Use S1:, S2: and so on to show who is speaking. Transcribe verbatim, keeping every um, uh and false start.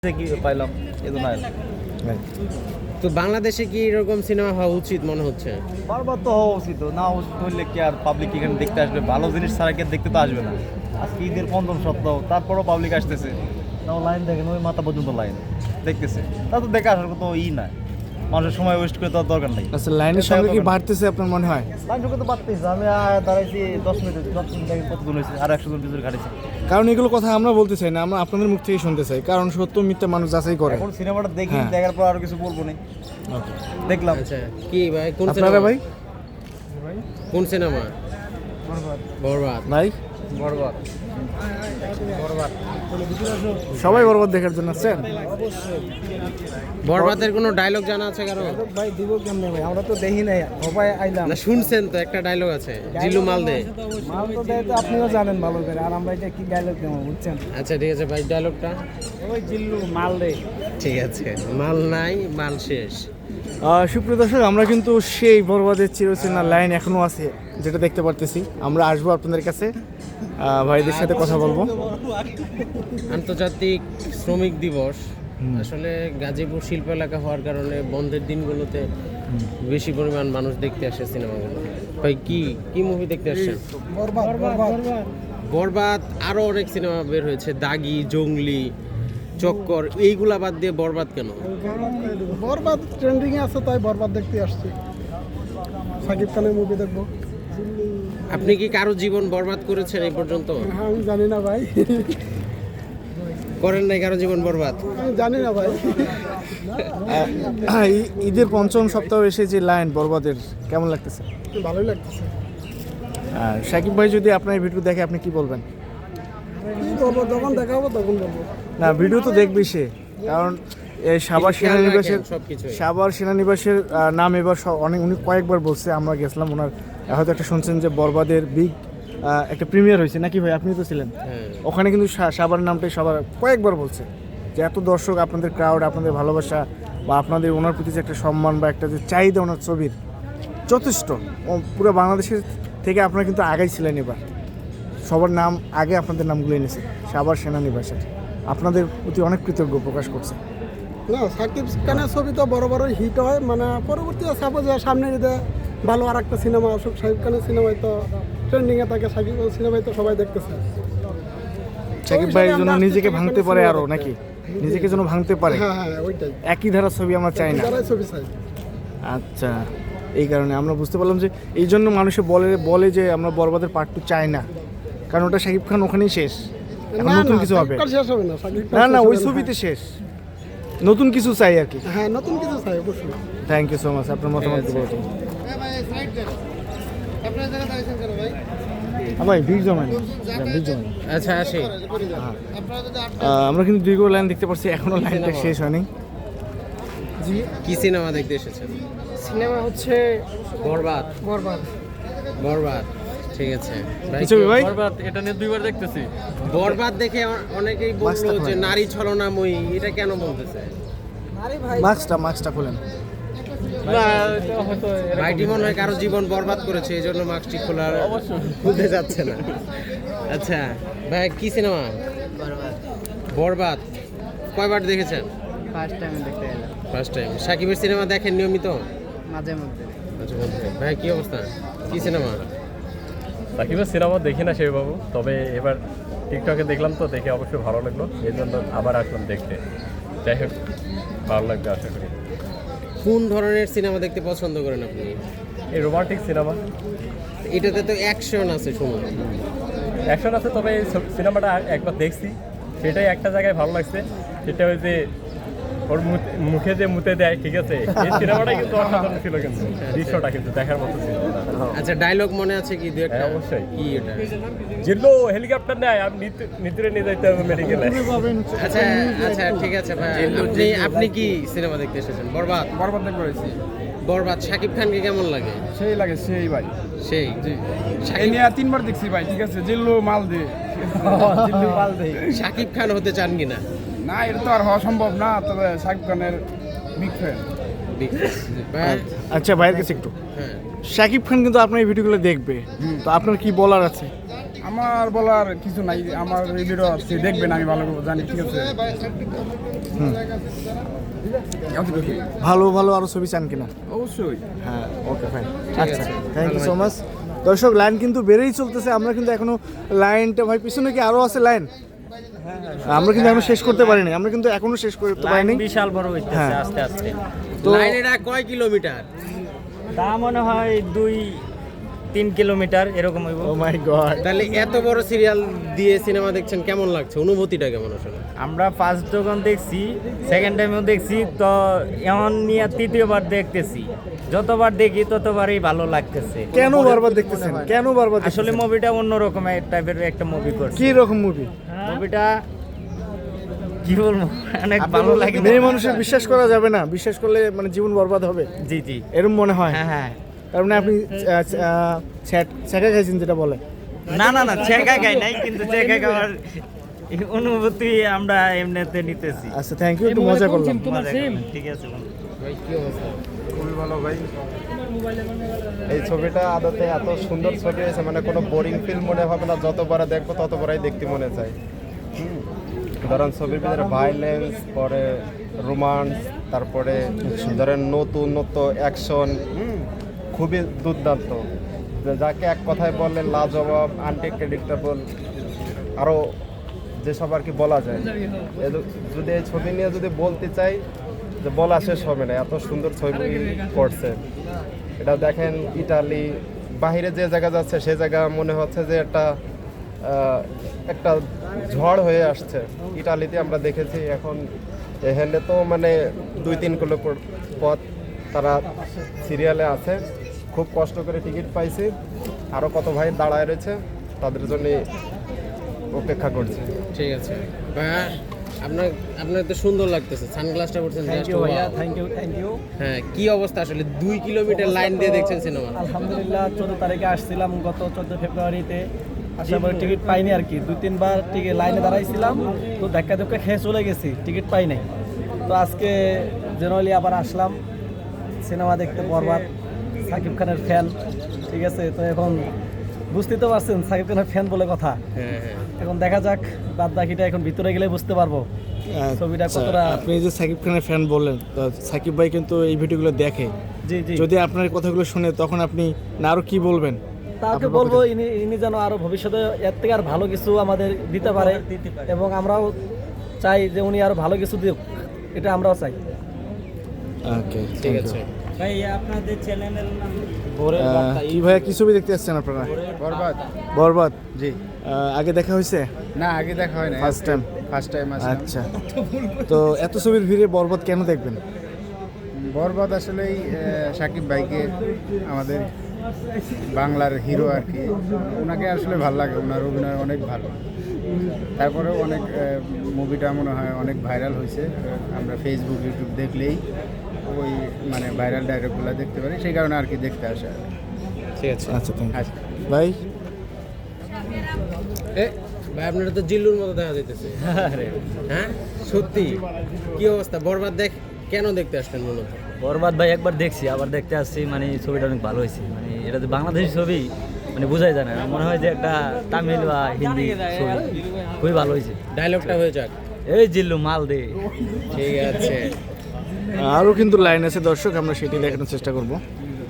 S1: কি পাইলাম এজন্য
S2: তো বাংলাদেশে কি এরকম সিনেমা হওয়া উচিত মনে হচ্ছে?
S1: বারবার তো হওয়া উচিত, না উচিত হইলে কি আর পাবলিক এখানে দেখতে আসবে? ভালো জিনিস ছাড়া কি দেখতে তো আসবে না। আজকে ঈদের পঞ্চম সপ্তাহ, তারপরও পাবলিক আসতেছে, তাও লাইন দেখেন ওই মাথা পর্যন্ত লাইন দেখতেছে, তা তো দেখে আসার কোনো ই নাই, মানুষের সময় ওয়েস্ট করে তো আর দরকার নেই।
S3: আচ্ছা, লাইনের সঙ্গে কি বাড়তেছে আপনার মনে হয়?
S1: লাইন সঙ্গে তো বাড়তেছে, আমি দাঁড়াইছি দশ মিনিট দশ মিনিট দেখেন কতজন হয়েছে, আর একশো জন পিছনে ঘাটেছে।
S3: কারণ এগুলো কথা আমরা বলতে চাই না, আমরা আপনাদের মুখ থেকে শুনতে চাই, কারণ সত্য মিথ্যা মানুষ যাচাই করে।
S1: এখন সিনেমাটা দেখি,
S3: হ্যাঁ।
S1: দেখার পর আরো কিছু বলবো না। দেখলাম।
S2: আচ্ছা কি ভাই, কোন
S3: আপনারা
S2: সিনেমা
S3: ভাই?
S2: কোন সিনেমা? বরবাদ।
S3: ভাই
S2: বরবাদ বরবাদ
S3: সবাই বরবাদ দেখার জন্য আসছেন?
S2: বরবাদের কোনো ডায়লগ জানা আছে কারো?
S4: ভাই দিব কেমনে ভাই, আমরা তো দেখি নাই, সবাই আইলাম।
S2: না শুনছেন তো, একটা ডায়লগ আছে, জিল্লু মাল দে।
S4: মাল তো দেয় তো আপনিও জানেন ভালো করে, আর আমরা এটা কি ডায়লগ দেবো বুঝছেন?
S2: আচ্ছা ঠিক আছে ভাই, ডায়লগটা
S4: ওই জিল্লু মাল দে।
S2: ঠিক আছে, মাল নাই মাল শেষ।
S3: আহ, সুপ্রিয় দর্শক, আমরা কিন্তু সেই বরবাদের চিরচেনা লাইন এখনো আছে, যেটা দেখতে পারতেছি। আমরা আসবো আপনাদের কাছে, আহ, ভাইদের সাথে কথা বলবো।
S2: আন্তর্জাতিক শ্রমিক দিবস আসলে গাজীপুর শিল্প এলাকা হওয়ার কারণে বন্ধের দিনগুলোতে বেশি পরিমাণ মানুষ দেখতে আসে সিনেমাগুলো। ভাই কি কি মুভি দেখতে আসছেন?
S4: বরবাদ বরবাদ
S2: বরবাদ, আরো অনেক সিনেমা বের হয়েছে, দাগি, জঙ্গলি, চক্কর, এইগুলা বাদ দিয়ে বরবাদ কেন?
S4: বরবাদ ট্রেন্ডিং এ আছে, তাই বরবাদ দেখতে আসছি। সাকিব খানের মুভি দেখবো।
S2: আপনি কি কারো জীবন বরবাদ করেছেন এই পর্যন্ত?
S4: হ্যাঁ, আমি জানি না ভাই,
S2: করেন নাই কারো জীবন বরবাদ?
S4: আমি জানি না ভাই।
S3: আহ, ই- ঈদের পঞ্চম সপ্তাহ এসে যে লাইন বরবাদের কেমন লাগতেছে?
S4: ভালোই লাগতেছে।
S3: আর সাকিব ভাই যদি আপনার এই ভিডিও দেখে আপনি কি বলবেন?
S4: কি বলবো, যখন দেখা হবো তখন বলবো।
S3: না, ভিডিও তো দেখবেই সে, কারণ এই সাভার
S2: খেয়াল
S3: সেনানিবাসের
S2: রাখেন সবকিছুই।
S3: সাভার সেনানিবাসের আহ, নাম এবার স- অনেক উনি কয়েকবার বলছে, আমরা গেছিলাম, ওনার হয়তো একটা শুনছেন যে বরবাদের বিগ একটা প্রিমিয়ার হয়েছে নাকি ভাই, আপনি তো ছিলেন
S2: হ্যাঁ।
S3: ওখানে, কিন্তু সা- সাভার নামটাই সবার কয়েকবার বলছে যে এত দর্শক, আপনাদের ক্রাউড, আপনাদের ভালোবাসা বা আপনাদের ওনার প্রতি যে একটা সম্মান বা একটা যে চাহিদা ওনার ছবির যথেষ্ট, ও পুরো বাংলাদেশের থেকে আপনারা কিন্তু আগেই ছিলেন। এবার সবার নাম আগে আপনাদের নামগুলো এনেছে সাভার সেনানিবাসের, আপনাদের প্রতি অনেক কৃতজ্ঞ প্রকাশ করছে।
S4: না, সাকিব খানের ছবি তো বড় বড় হিট হয়, মানে পরবর্তীতে সাপোজ সামনে ঈদে ভালো আর একটা সিনেমা আসুক, সাকিব খানের সিনেমায় তো ট্রেন্ডিং এ থাকে, সাকিব খানের সিনেমায় তো সবাই দেখতেছে।
S3: সাকিব ভাই যেন নিজেকে ভাঙতে পারে আরো, নাকি নিজেকে যেন ভাঙতে পারে,
S4: হ্যাঁ হ্যাঁ ওইটাই,
S3: একই ধারার ছবি আমরা চাই না।
S4: যারাই ছবি চাই।
S3: আচ্ছা, এই কারণে আমরা বুঝতে পারলাম যে এই জন্য মানুষে বলে বলে যে আমরা বরবাদের পার্ট টু চাই না, কারণ ওটা শাকিব খান ওখানেই শেষ, এখন
S4: না,
S3: নতুন
S4: না,
S3: কিছু হবে।
S4: সাকিব খান শেষ হবে না, সাকিব খান
S3: না না,
S4: শেষ
S3: ওই
S4: হবে না।
S3: ছবিতে শেষ, নতুন কিছু চাই আর কি।
S4: হ্যাঁ, নতুন কিছু চাই অবশ্যই।
S3: থ্যাংক ইউ সো মাচ, আপনার মতামত দেবো। ভাই বিগ জমান বিগ জমান
S2: আচ্ছা আসি।
S3: আমরা কিন্তু দীর্ঘ লাইন দেখতে পাচ্ছি, এখনো লাইনটা শেষ হয়নি।
S4: জি,
S2: কি সিনেমা দেখতে এসেছেন?
S4: সিনেমা হচ্ছে
S2: বরবাদ।
S4: বরবাদ।
S2: বরবাদ, ঠিক আছে ভাই।
S3: কি ছবি ভাই?
S5: বরবাদ এটা নিয়ে দুইবার দেখতেছি।
S2: বরবাদ দেখে অ- অনেকেই বললো যে নারী ছলনাময়ী, এটা কেন বলতেছে?
S4: আরে ভাই,
S3: মাস্কটা মাস্কটা খোলেন।
S5: না এটা হয়তো এরকম-
S2: ভাইটি মনে হয় কারো জীবন বরবাদ করেছে, এই জন্য মাস্কটি খোলার খুলতে যাচ্ছে না। আচ্ছা ভাই, কি সিনেমা? বরবাদ কয়বার দেখেছেন?
S4: ফার্স্ট টাইম দেখতে এলাম,
S2: ফার্স্ট টাইম। সাকিবের সিনেমা দেখেন নিয়মিত?
S4: মাঝে মধ্যে।
S2: আচ্ছা বলতে ভাই, কি অবস্থা, কি সিনেমা?
S5: সাকিবের সিনেমা দেখি না সেইবাবু, তবে এবার টিকটকে দেখলাম তো, দেখে অবশ্যই ভালো লাগলো, এই জন্য আবার আসলাম দেখতে। যাই হোক, ভালো লাগবে আশা করি।
S2: কোন ধরনের সিনেমা দেখতে পছন্দ করেন আপনি?
S5: এই রোমান্টিক সিনেমা,
S2: এটাতে তো অ্যাকশন আছে শুনুন।
S5: অ্যাকশন আছে, তবে এই সব- সিনেমাটা একবার দেখছি, সেটাই একটা জায়গায় ভালো লাগছে, সেটা ওই যে ওর মুখ- মুখে যে মুতে দেয়, ঠিক আছে, এই সিনেমাটা কিন্তু অসাধারণ ছিল, কিন্তু দৃশ্যটা কিন্তু দেখার মতো ছিল।
S2: আচ্ছা ডায়লগ মনে আছে কি দু একটা?
S5: হ্যাঁ, অবশ্যই।
S2: কি এটা?
S5: জিল্লো হেলিকপ্টার নেয়, আমি নিতে নিয়ে যাইতে হবে মেডিকেলে।
S2: আচ্ছা আচ্ছা ঠিক আছে ভাই, আপনি আপনি কি সিনেমা দেখতে এসেছেন? বরবাদ।
S4: বরবাদ দেখতে পেরেছি,
S2: বরবাদ শাকিব খানকে কেমন লাগে?
S4: সেই লাগে সেই ভাই।
S2: সেই
S4: জি, এই
S2: শাকিব
S4: নিয়ে তিনবার দেখছি ভাই, ঠিক আছে, জিল্লু মাল দে, জিল্লু মাল দে।
S2: শাকিব খান হতে চান কিনা?
S4: না, এটা তো আর হওয়া সম্ভব না, তবে সাকিব খানের বিগ ফ্যান।
S2: ভাই,
S3: আচ্ছা ভাইয়ের কাছে একটু,
S2: হ্যাঁ
S3: শাকিব খান কিন্তু আপনার এই ভিডিওগুলো দেখবে, তো আপনার কি বলার আছে?
S6: আমার বলার কিছু নাই, আমার এই ভিডিও সে দেখবেন, আমি ভালো করে জানি, ঠিক আছে? এতটুকুই।
S3: ভালো ভালো আরো ছবি চান কিনা?
S6: অবশ্যই।
S3: হ্যাঁ, ওকে ফাইন।
S2: ঠিক
S3: আচ্ছা,
S2: আছে।
S3: থ্যাংক ইউ
S2: ভালো
S3: সো মাচ। দর্শক, লাইন কিন্তু বেড়েই চলতেছে, আমরা কিন্তু এখনো লাইনটা ভাই পিছনে কি আরো আছে লাইন? আমরা কিন্তু এখনো শেষ করতে পারিনি, আমরা কিন্তু এখনো শেষ করতে পারিনি।
S7: বিশাল বড় হইতেছে
S3: হ্যাঁ।
S7: আস্তে আস্তে।
S3: তো
S2: লাইন এটা কয় কিলোমিটার?
S7: তা মনে হয় দুই তিন কিলোমিটার এরকম হইব।
S3: ও মাই গড,
S2: তাহলে এত বড় সিরিয়াল দিয়ে সিনেমা দেখছেন, কেমন লাগছে? অনুভূতিটা কেমন আসলে?
S7: আমরা ফার্স্ট যখন দেখছি, সেকেন্ড টাইমেও দেখছি, তো এমন নিয়ে তৃতীয়বার দেখতেছি। যতবার দেখি ততবারই ভালো লাগতেছে।
S3: কেন বারবার দেখতেছেন? কেন বারবার
S7: আসলে
S3: দেখতেছেন?
S7: মুভিটা অন্যরকম টাইপের একটা মুভি করছে।
S3: কি রকম মুভি?
S7: মুভিটা কি বলবো, অনেক ভালো লাগে।
S3: মেয়ে মানুষের বিশ্বাস করা যাবে না, বিশ্বাস করলে মানে জীবন বরবাদ হবে,
S7: জি জি,
S3: এরকম মনে হয়।
S7: হ্যাঁ হ্যাঁ।
S3: তার মানে আপনি ছ্যাঁকা খাইছেন যেটা বলে।
S7: না না না, চেকা খাই নাই, কিন্তু চেকা খাওয়ার অনুভূতি আমরা এমনিতে নিতেছি।
S3: আচ্ছা, থ্যাংক ইউ, একটু মজা করলাম।
S7: মজা করলাম, ঠিক আছে বন্ধু।
S2: ভাই কি অবস্থা?
S8: খুবই ভালো ভাই। এই ছবিটা আদতে এত সুন্দর ছবি হয়েছে, মানে কোনো বোরিং ফিল্ম মনে হবে না, যতবার দেখবো ততবারই দেখতে মনে চায়। হুম। ধরেন ছবির ভিতরে ভাইলেন্স, পরে রোমান্স, তারপরে ধরেন নতুন নতুন অ্যাকশন, খুবই দুর্দান্ত। যে যাকে এক কথায় বললে লাজবাব, আনপ্রেডিক্টেবল, আরও যেসব আর কি বলা যায়। এ- যদি এই ছবি নিয়ে যদি বলতে চাই, যে বলা শেষ হবে না, এত সুন্দর ছবি করছে। এটা দেখেন, ইটালি বাহিরে যে জায়গা যাচ্ছে সে জায়গা মনে হচ্ছে যে একটা আহ, একটা ঝড় হয়ে আসছে। ইটালিতে আমরা দেখেছি, এখন এখানে তো মানে দুই তিন কিলো পর- পথ তারা সিরিয়ালে আছে, খুব কষ্ট করে টিকিট পাইছি। আরও কত ভাই দাঁড়ায় রয়েছে, তাদের জন্য অপেক্ষা করছি।
S2: ঠিক আছে ভাইয়া, আপনার আপনার তো সুন্দর লাগতেছে, সানগ্লাসটা পরছেন,
S9: থ্যাংক
S2: just
S9: ইউ ভাইয়া,
S2: wow।
S9: Thank you thank you.
S2: হ্যাঁ, কি অবস্থা আসলে? দুই কিলোমিটার লাইন দিয়ে দেখছেন সিনেমা?
S9: আলহামদুলিল্লাহ, চোদ্দ তারিখে আসছিলাম গত চোদ্দ ফেব্রুয়ারিতে। আসার পরে টিকিট পাইনি আর কি, দুই তিনবার টিকিট লাইনে দাঁড়াইছিলাম, তো ধাক্কা ধাক্কা খেয়ে চলে গেছি, টিকিট পাই নাই। তো আজকে জেনারেলি আবার আসলাম সিনেমা দেখতে, বরবাদ, সাকিব খানের ফ্যান, ঠিক আছে? তো এখন বুঝতেই তো পারছেন সাকিব খানের ফ্যান বলে কথা।
S2: হ্যাঁ হ্যাঁ।
S9: এখন দেখা যাক, বাদ বাকিটা এখন ভিতরে গেলে বুঝতে পারবো ছবিটা
S3: আচ্ছা,
S9: কতটা।
S3: আপনি যে সাকিব খানের ফ্যান বললেন, তো সাকিব ভাই কিন্তু এই ভিডিওগুলো দেখে।
S9: জি জি,
S3: যদি আপনার এই কথাগুলো শুনে, তখন আপনি না আরো কি বলবেন?
S9: তাকে
S3: আপনার
S9: বলবো
S3: পক্ষে-
S9: ইনি ইনি যেন আরো ভবিষ্যতে এর থেকে আর ভালো কিছু আমাদের দিতে পারে, এবং আমরাও চাই যে উনি আরো ভালো কিছু দিক, এটা আমরাও চাই।
S3: ওকে,
S2: ঠিক আছে।
S7: ভাই আপনাদের চ্যানেলের নাম?
S3: কি ভাইয়া, কি ছবি দেখতে আসছেন আপনারা?
S6: বরবাদ।
S3: বরবাদ।
S6: জি।
S3: আহ, আগে দেখা হয়েছে?
S6: না, আগে দেখা হয় না,
S3: ফার্স্ট টাইম?
S6: ফার্স্ট টাইম আসলাম।
S3: আচ্ছা, তো এত ছবির ভিড়ে বরবাদ কেন দেখবেন?
S6: বরবাদ আসলেই আহ, সাকিব ভাইকে, আমাদের বাংলার হিরো আর কি, ওনাকে আসলে ভালো লাগে, ওনার অভিনয় অনেক ভালো। তারপরে অনেক মুভিটা মনে হয় অনেক ভাইরাল হয়েছে, আমরা ফেসবুক ইউটিউব দেখলেই ওই মানে ভাইরাল ডায়লগগুলো দেখতে পারি, সেই কারণে আর কি দেখতে আসে।
S2: ঠিক আছে।
S3: আচ্ছা, থ্যাংক
S6: আচ্ছা।
S3: ইউ ভাই।
S2: এ ভাই, আপনারা তো জিল্লুর মতো দেখা যাইতেছে। হ্যাঁ, সত্যি কি অবস্থা? বরবাদ দেখ কেন দেখতে আসলেন মূলত?
S7: বরবাদ ভাই একবার দেখছি, আবার দেখতে আসছি, মানে ছবিটা অনেক ভালো হয়েছে। মানে এটা তো বাংলাদেশি ছবি, মানে বোঝাই যায় না, মনে হয় যে একটা তামিল বা হিন্দি ছবি। খুবই ভালো হয়েছে।
S2: ডায়লগটা হয়ে যাক।
S7: এই জিল্লু মাল দে।
S2: ঠিক আছে।
S3: আরও কিন্তু লাইন আছে দর্শক, আমরা সেটি দেখানোর চেষ্টা করব।